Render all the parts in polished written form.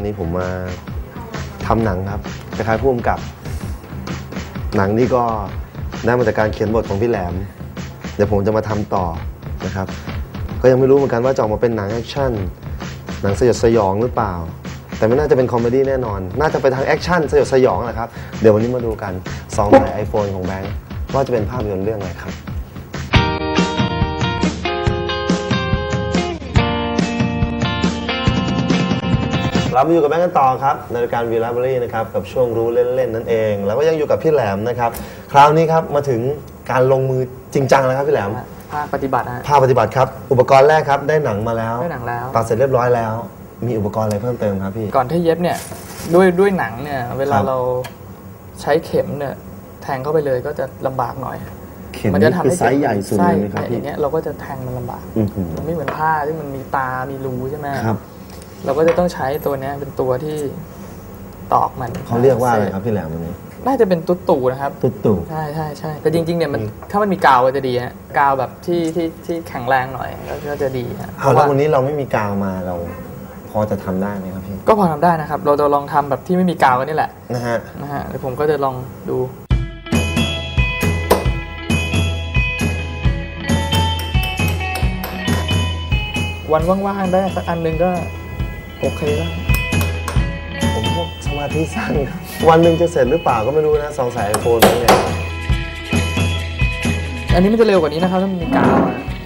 นี้ผมมาทำหนังครับคล้ายๆผู้กำกับหนังนี่ก็ได้มาจากการเขียนบทของพี่แหลมเดี๋ยวผมจะมาทำต่อนะครับก็ยังไม่รู้เหมือนกันว่าจะออกมาเป็นหนังแอคชั่นหนังสยดสยองหรือเปล่าแต่ไม่น่าจะเป็นคอมเมดี้แน่นอนน่าจะไปทางแอคชั่นสยดสยองแหละครับเดี๋ยววันนี้มาดูกัน2 สาย iPhone ของแบงค์ว่าจะเป็นภาพยนตร์เรื่องอะไรครับเรามาอยู่กับแบงค์กันต่อครับในรายการ V Library นะครับกับช่วงรู้เล่นๆนั่นเองแล้วก็ยังอยู่กับพี่แหลมนะครับคราวนี้ครับมาถึงการลงมือจริงจังแล้วครับพี่แหลมภาคปฏิบัติภาคปฏิบัติครับอุปกรณ์แรกครับได้หนังมาแล้วได้หนังแล้วตัดเสร็จเรียบร้อยแล้วมีอุปกรณ์อะไรเพิ่มเติมครับพี่ก่อนที่เย็บเนี่ยด้วยหนังเนี่ยเวลาเราใช้เข็มเนี่ยแทงเข้าไปเลยก็จะลำบากหน่อยเข็มนี่คือไซส์ใหญ่สุดเลยไหมครับพี่อย่างเงี้ยเราก็จะแทงมันลำบากมันไม่เหมือนผ้าที่มันมีตามีรูใช่ไหมครับเราก็จะต้องใช้ตัวนี้เป็นตัวที่ตอกมันเขาเรียกว่าอะไรครับพี่แหลมวันนี้น่าจะเป็นตุ๊ดตู่นะครับตุ๊ดตู่ใช่แต่จริงๆเนี่ยมันถ้ามันมีกาวก็จะดีฮะกาวแบบที่แข็งแรงหน่อยก็จะดีฮะแล้ววันนี้เราไม่มีกาวมาเราพอจะทำได้ไหมครับพี่ก็พอทำได้นะครับเราจะลองทำแบบที่ไม่มีกาวกันนี่แหละนะฮะเดี๋ยวผมก็จะลองดูวันว่างๆได้สักอันนึงก็โอเคแล้วผมพวกสมาธิสั้นวันหนึ่งจะเสร็จหรือเปล่าก็ไม่รู้นะ2 สาย iPhone เนี่ยอันนี้มันจะเร็วกว่านี้นะครับถ้ามันมีกาว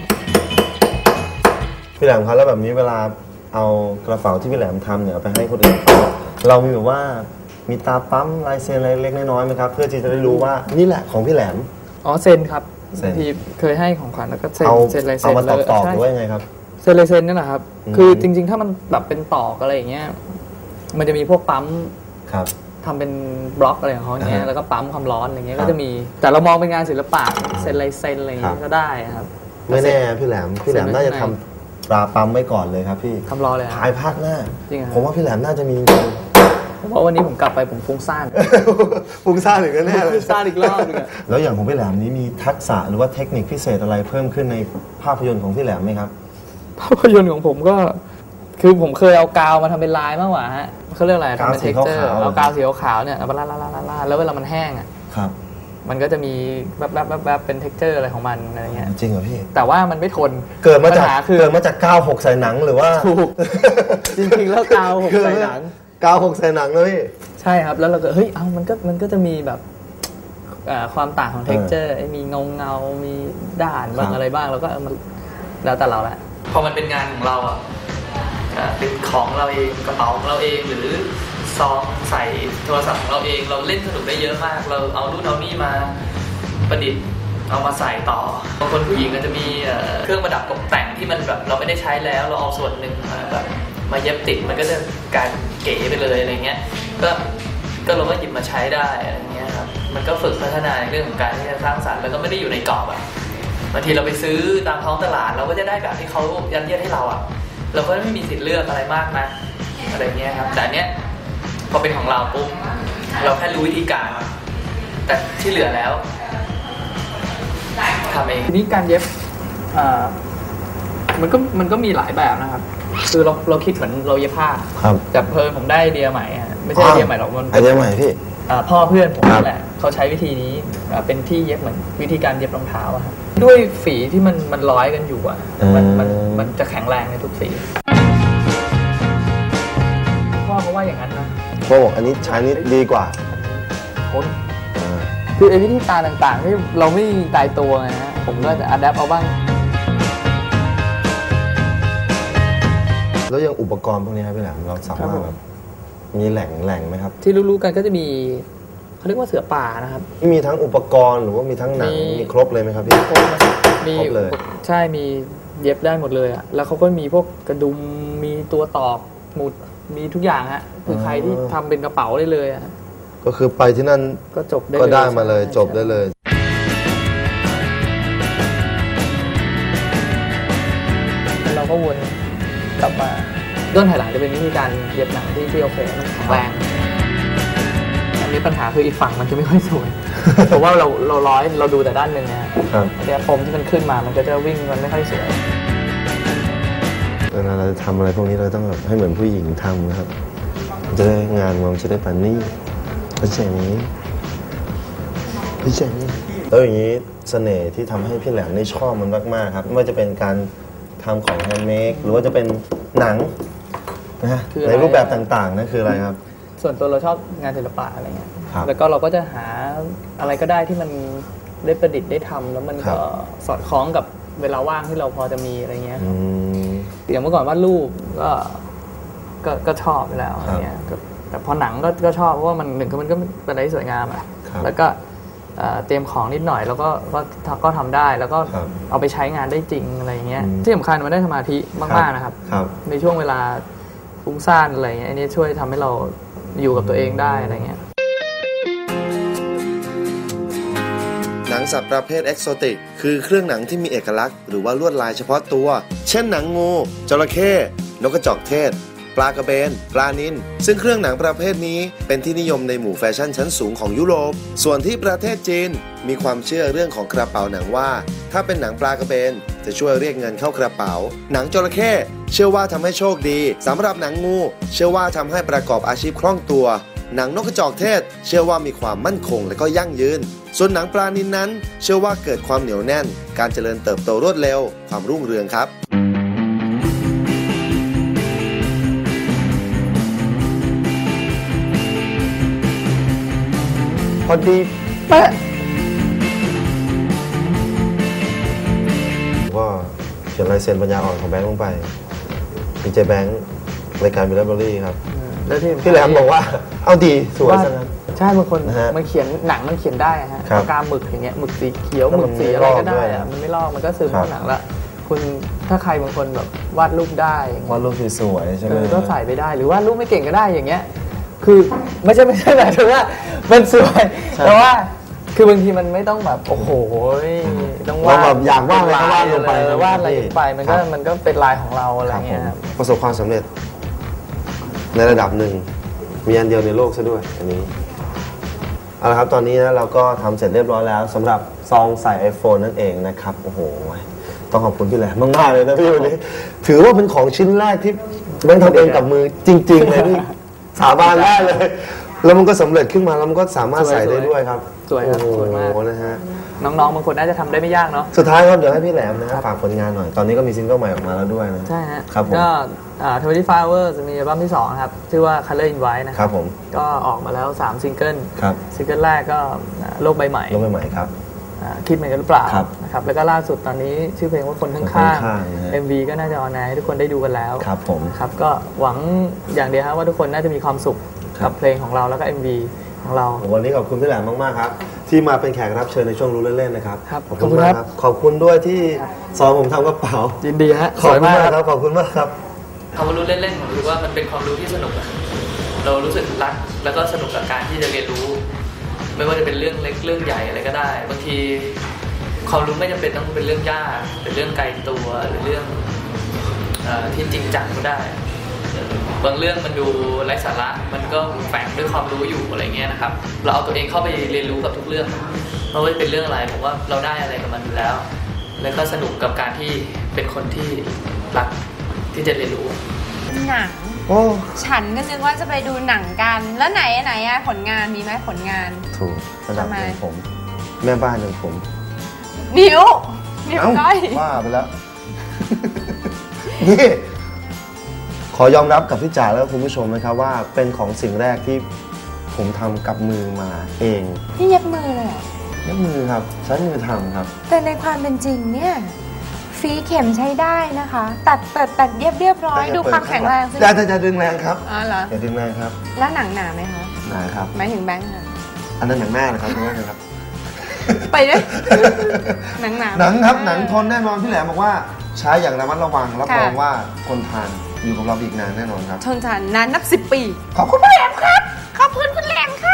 พี่แหลมครับแล้วแบบนี้เวลาเอากระเป๋าที่พี่แหลมทำเนี่ยเอาไปให้คนอื่นเรามีแบบว่ามีตาปั๊มลายเซ็นอะไรเล็กน้อยไหมครับเพื่อที่จะได้รู้ว่านี่แหละของพี่แหลมเซ็นครับที่เคยให้ของขวัญแล้วก็เซ็นลายเซ็นเอามาตอกหรือว่ายังไงครับเซ็นลายเซ็นนั่นแหละครับคือจริงๆถ้ามันแบบเป็นตอกอะไรอย่างเงี้ยมันจะมีพวกปั๊มทำเป็นบล็อกอะไรของเขาเนี้ยแล้วก็ปั๊มความร้อนอะไรเงี้ยก็จะมีแต่เรามองเป็นงานศิลปะเซ็นลายเซ็นอะไรอย่างเงี้ยก็ได้ครับไม่แน่พี่แหลมน่าจะทำตราปั๊มไว้ก่อนเลยครับพี่ทำรอเลยภายภาคหน้าผมว่าพี่แหลมน่าจะมีเพราะวันนี้ผมกลับไปผมฟุ้งซ่านอีกแน่เลยฟุ้งซ่านอีกรอบนึงแล้วอย่างของพี่แหลมนี้มีทักษะหรือว่าเทคนิคพิเศษอะไรเพิ่มขึ้นในภาพยนตร์ของพี่แหลมไหมครับภาพยนตร์ของผมก็คือผมเคยเอากาวมาทำเป็นลายมากกว่าฮะเขาเรียกอะไรทำเป็นเท็กเจอร์เอากาวสีขาวเนี่ยมาลาแล้วเวลามันแห้งอ่ะมันก็จะมีแบบเป็นเท็กเจอร์อะไรของมันอะไรเงี้ยจริงเหรอพี่แต่ว่ามันไม่ทนเกิดมาจากกาว6ใส่หนังหรือว่าถูกจริงๆแล้วกาว6ใส่หนังกาว6ใส่หนังเลยพี่ใช่ครับแล้วเราก็เฮ้ยมันก็จะมีแบบความต่างของเท็กเจอร์มีเงามีด่านบ้างอะไรบ้างแล้วก็มันแล้วแต่เราแหละพอมันเป็นงานของเราอ่ะเป็นของเราเองกระเป๋าของเราเองหรือซองใส่โทรศัพท์ของเราเองเราเล่นสนุกได้เยอะมากเราเอานู่นเอานี่มาประดิษฐ์เอามาใส่ต่อบางคนผู้หญิงก็จะมีเครื่องประดับตกแต่งที่มันแบบเราไม่ได้ใช้แล้วเราเอาส่วนหนึ่งแบบมาเย็บติดมันก็จะกลายเก๋ไปเลยอะไรเงี้ยก็เราก็หยิบมาใช้ได้อะไรเงี้ยครับมันก็ฝึกพัฒนาในเรื่องของการที่จะสร้างสรรค์แล้วก็ไม่ได้อยู่ในกรอบอ่ะบางทีเราไปซื้อตามท้องตลาดเราก็จะได้แบบที่เขายัดเยียดให้เราอ่ะเราก็ไม่มีสิทธิ์เลือกอะไรมากนะอะไรเงี้ยครับแต่เนี้ยพอเป็นของเราปุ๊บเราแค่รู้วิธีการแต่ที่เหลือแล้วทำเองทีนี้การเย็บมันก็มีหลายแบบนะครับคือเราคิดเหมือนเราเย็บผ้าแต่เพลินผมได้ไอเดียใหม่ไม่ใช่ไอเดียใหม่หรอกมันไอเดียใหม่พี่พ่อเพื่อนผมนั่นแหละเขาใช้วิธีนี้เป็นที่เย็บเหมือนวิธีการเย็บรองเท้าครับด้วยฝีที่มันร้อยกันอยู่มันจะแข็งแรงในทุกสีพ่อเขาว่าอย่างนั้นนะพ่อบอกอันนี้ใช้นี่ดีกว่าคือไอ้วิธีการต่างๆที่เราไม่ตายตัวไงฮะผมก็จะอัดแอปเอาบ้างแล้วยังอุปกรณ์พวกนี้ครับพี่แหลมเราสามารถแบบมีแหล่งไหมครับที่รู้ๆกันก็จะมีเขาเรียกว่าเสือป่านะครับมีทั้งอุปกรณ์หรือว่ามีทั้งหนังมีครบเลยไหมครับพี่ครบเลยใช่มีเย็บได้หมดเลยอ่ะแล้วเขาก็มีพวกกระดุมมีตัวตอกหมุดมีทุกอย่างฮะคือใครที่ทำเป็นกระเป๋าได้เลยอ่ะก็คือไปที่นั่นก็จบได้มาเลยจบได้เลยเราก็วนกลับมาด้านถ่ายหลังจะเป็นวิธีการเย็บหนังที่โอเคมันแข็งแรงอันนี้ปัญหาคืออีกฝั่งมันจะไม่ค่อยสวยเพราะว่าเราร้อยเราดูแต่ด้านหนึ่งนะแต่ปมที่มันขึ้นมามันก็จะวิ่งมันไม่ค่อยสวยเวลาเราจะทำอะไรพวกนี้เราต้องแบบให้เหมือนผู้หญิงทำนะครับจะได้งานมันจะได้ปานนี่เข้าใจไหมเข้าใจไหมแล้วอย่างนี้เสน่ห์ที่ทำให้พี่แหลมนี่ชอบมันมากๆครับไม่ว่าจะเป็นการทำของแฮนด์เมดหรือว่าจะเป็นหนังนะฮะในรูปแบบต่างๆนั่นคืออะไรครับส่วนตัวเราชอบงานศิลปะอะไรเงี้ยครับแล้วก็เราก็จะหาอะไรก็ได้ที่มันได้ประดิษฐ์ได้ทำแล้วมันก็สอดคล้องกับเวลาว่างที่เราพอจะมีอะไรเงี้ยอย่างเมื่อก่อนวาดรูปก็ชอบไปแล้วอะไรเงี้ยแต่พอหนังก็ชอบเพราะว่ามันหนึ่งคือมันก็เป็นอะไรที่สวยงามอ่ะแล้วก็เตรียมของนิดหน่อยแล้วก็ทำได้แล้วก็เอาไปใช้งานได้จริงอะไรเงี้ยที่สำคัญมันได้สมาธิมากๆนะครับในช่วงเวลาฟุ้งซ่านอะไรเงี้ยอันนี้ช่วยทำให้เราอยู่กับตัวเองได้อะไรเงี้ยหนังสัตว์ประเภทเอกโซติกคือเครื่องหนังที่มีเอกลักษณ์หรือว่าลวดลายเฉพาะตัวเช่นหนังงูจระเข้นกกระจอกเทศปลากระเบนปลานิลซึ่งเครื่องหนังประเภทนี้เป็นที่นิยมในหมู่แฟชั่นชั้นสูงของยุโรปส่วนที่ประเทศจีนมีความเชื่อเรื่องของกระเป๋าหนังว่าถ้าเป็นหนังปลากระเบนจะช่วยเรียกเงินเข้ากระเป๋าหนังจระเข้เชื่อว่าทำให้โชคดีสำหรับหนังงูเชื่อว่าทำให้ประกอบอาชีพคล่องตัวหนังนกกระจอกเทศเชื่อว่ามีความมั่นคงและก็ยั่งยืนส่วนหนังปลานิลนั้นเชื่อว่าเกิดความเหนียวแน่นการเจริญเติบโตรวดเร็วความรุ่งเรืองครับพอดีเป๊ะก็เขียนลายเซ็นปัญญาอ่อนของแบงค์ลงไปดีเจแบงค์รายการมิลเลอร์เบอรี่ครับแล้วที่พี่แหลมบอกว่าเอาดีสวยซะนะใช่บางคนมันเขียนหนังมันเขียนได้ฮะปากกาหมึกอย่างเงี้ยหมึกสีเขียวหมึกสีอะไรก็ได้อะมันไม่ลอกมันก็ซึมเข้าหนังละคุณถ้าใครบางคนแบบวาดรูปได้วาดรูปสวยใช่ไหมก็ใส่ไปได้หรือวาดรูปไม่เก่งก็ได้อย่างเงี้ยคือไม่ใช่หมายถึงว่ามันสวยแต่ว่าคือบางทีมันไม่ต้องแบบโอ้โหต้องวาดแบบอยากวาดอะไรก็วาดลงไปวาดอะไรลงไปมันก็เป็นลายของเราอะไรเงี้ยประสบความสำเร็จในระดับหนึ่งมีอันเดียวในโลกซะด้วยอันนี้เอาละครับตอนนี้นะเราก็ทำเสร็จเรียบร้อยแล้วสำหรับซองใส่ iPhone นั่นเองนะครับโอ้โหต้องขอบคุณพี่แหลมมากๆเลยนะพี่วันนี้ถือว่าเป็นของชิ้นแรกที่แบงค์ทำเองกับมือจริงๆเลยพี่สาบานได้เลยแล้วมันก็สำเร็จขึ้นมาแล้วมันก็สามารถใส่ได้ด้วยครับสวยครับสวยมากนะฮะน้องๆบางคนน่าจะทำได้ไม่ยากเนาะสุดท้ายครับเดี๋ยวให้พี่แหลมนะฝากผลงานหน่อยตอนนี้ก็มีซิงเกิลใหม่ออกมาแล้วด้วยนะใช่ฮะครับผมก็25 Hours มีอัลบั้มที่2ครับชื่อว่า Color in White นะครับผมก็ออกมาแล้ว3ซิงเกิลซิงเกิลแรกก็โลกใบใหม่ครับคิดเหมือนกันหรือเปล่านะครับแล้วก็ล่าสุดตอนนี้ชื่อเพลงว่าคนข้างๆ MV ก็น่าจะออนแอร์ให้ทุกคนได้ดูกันแล้วครับผมครับก็หวังอย่างเดียวครับว่าทุกคนน่าจะมีความสุขกับเพลงของเราแล้วก็ MV ของเราวันนี้ขอบคุณพี่แหลมมากๆครับที่มาเป็นแขกรับเชิญในช่วงรู้เล่นๆนะครับขอบคุณมากครับขอบคุณด้วยที่สอนผมทำกระเป๋ายินดีฮะขอบคุณมากครับขอบคุณมากครับคำว่ารู้เล่นๆผมรู้ว่ามันเป็นความรู้ที่สนุกเรารู้สึกรักแล้วก็สนุกกับการที่จะเรียนรู้ไม่ว่าจะเป็นเรื่องเล็กเรื่องใหญ่อะไรก็ได้บางทีความรู้ไม่จำเป็นต้องเป็นเรื่องยากเป็นเรื่องไกลตัวหรือเรื่องที่จริงจังก็ได้บางเรื่องมันดูไร้สาระมันก็แฝงด้วยความรู้อยู่อะไรเงี้ยนะครับเราเอาตัวเองเข้าไปเรียนรู้กับทุกเรื่องไม่ว่าจะเป็นเรื่องอะไรผมว่าเราได้อะไรกับมันอยู่แล้วแล้วก็สนุกกับการที่เป็นคนที่รักที่จะเรียนรู้หนังฉันก็นึกว่าจะไปดูหนังกันแล้วไหนอะผลงานมีไหมผลงานถูกระดับของผมแม่บ้านของผมนิ้วก้อยว่าไปแล้วนี่ขอยอมรับกับพี่จ๋าแล้วคุณผู้ชมนะครับว่าเป็นของสิ่งแรกที่ผมทำกับมือมาเองนี่เย็บมือเลยเย็บมือครับใช้มือทำครับแต่ในความเป็นจริงเนี่ยฝีเข็มใช้ได้นะคะตัดเรียบร้อยดูความแข็งแรงสิจะดึงแรงครับเหรอจะดึงแรงครับแล้วหนังหนาไหมคะหนาครับหมายถึงแบงค์ค่ะอันนั้นหนังหน้านะครับคุณแม่ครับไปด้วยหนังครับหนังทนแน่นอนพี่แหลมบอกว่าใช้อย่างระมัดระวังรับรองว่าคนทานอยู่กับเราอีกนานแน่นอนครับทนทานนานนับ10 ปีขอบคุณพี่แหลมครับขอบคุณคุณแหลมค่ะ